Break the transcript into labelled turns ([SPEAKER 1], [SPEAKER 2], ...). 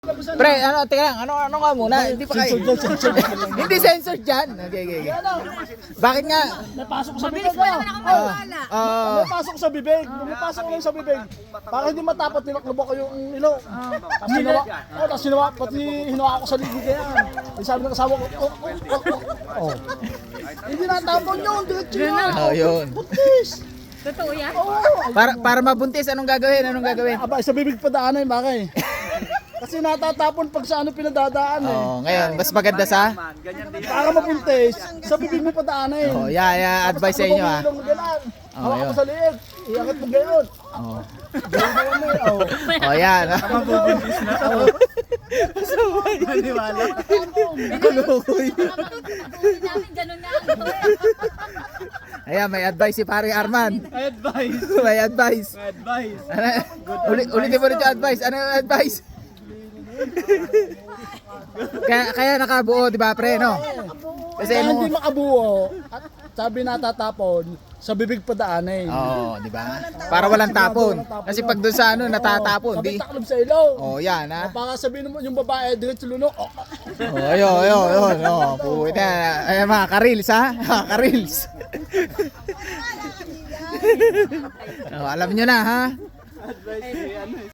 [SPEAKER 1] Pre, ano, teka lang, ano nga muna? Hindi pa kayo. Hindi censored dyan. Okay. Bakit nga?
[SPEAKER 2] Napasok sa bibig mo.
[SPEAKER 1] Ah,
[SPEAKER 2] Napasok sa bibig. Napasok lang sa bibig. Para hindi matapat nilaklubo ko yung ilong. Tapos hinawa. Tapos hinawa. Pati hinawa ako sa ligid kaya. Sabi ng kasawa ko, oh. Hindi natapon yun. Diretso yun.
[SPEAKER 1] yun.
[SPEAKER 2] Putis.
[SPEAKER 3] Totoo yan?
[SPEAKER 2] Oo.
[SPEAKER 1] Para mabuntis, anong gagawin?
[SPEAKER 2] Aba, sa bibig pa daanan bakay. Kasi natatapon pag sa ano pinadadaan eh.
[SPEAKER 1] Ngayon, mas maganda sa?
[SPEAKER 2] Para mabuntis, sa bibig mo pa daanan.
[SPEAKER 1] Advice sa inyo ha.
[SPEAKER 2] Hawak ko sa liit. Iangat mo gayon. Gayon mo eh.
[SPEAKER 1] Yan.
[SPEAKER 4] Mabubuntis na to. Maniwala.
[SPEAKER 3] Ganun nga.
[SPEAKER 1] Ayan, may advice si Pare Arman.
[SPEAKER 4] Advice.
[SPEAKER 1] May advice.
[SPEAKER 4] Advice.
[SPEAKER 1] Ulitin mo rin yung advice. Ano yung advice? kaya nakabuo, di ba, pre, no? Kasi
[SPEAKER 2] Kaya
[SPEAKER 1] mo...
[SPEAKER 2] hindi makabuo. At sabi natatapon, sa bibig pa daanan.
[SPEAKER 1] di ba? Para walang tapon. Kasi pag doon sa ano, natatapon,
[SPEAKER 2] Sabi
[SPEAKER 1] di...
[SPEAKER 2] taklob sa ilong.
[SPEAKER 1] Yan, ha?
[SPEAKER 2] Baka sabihin mo yung babae, diretso lunok.
[SPEAKER 1] Ayun. Puta. Ayan, mga karils, ha? Mga karils. Alam nyo na, ha?
[SPEAKER 4] Advice si ano,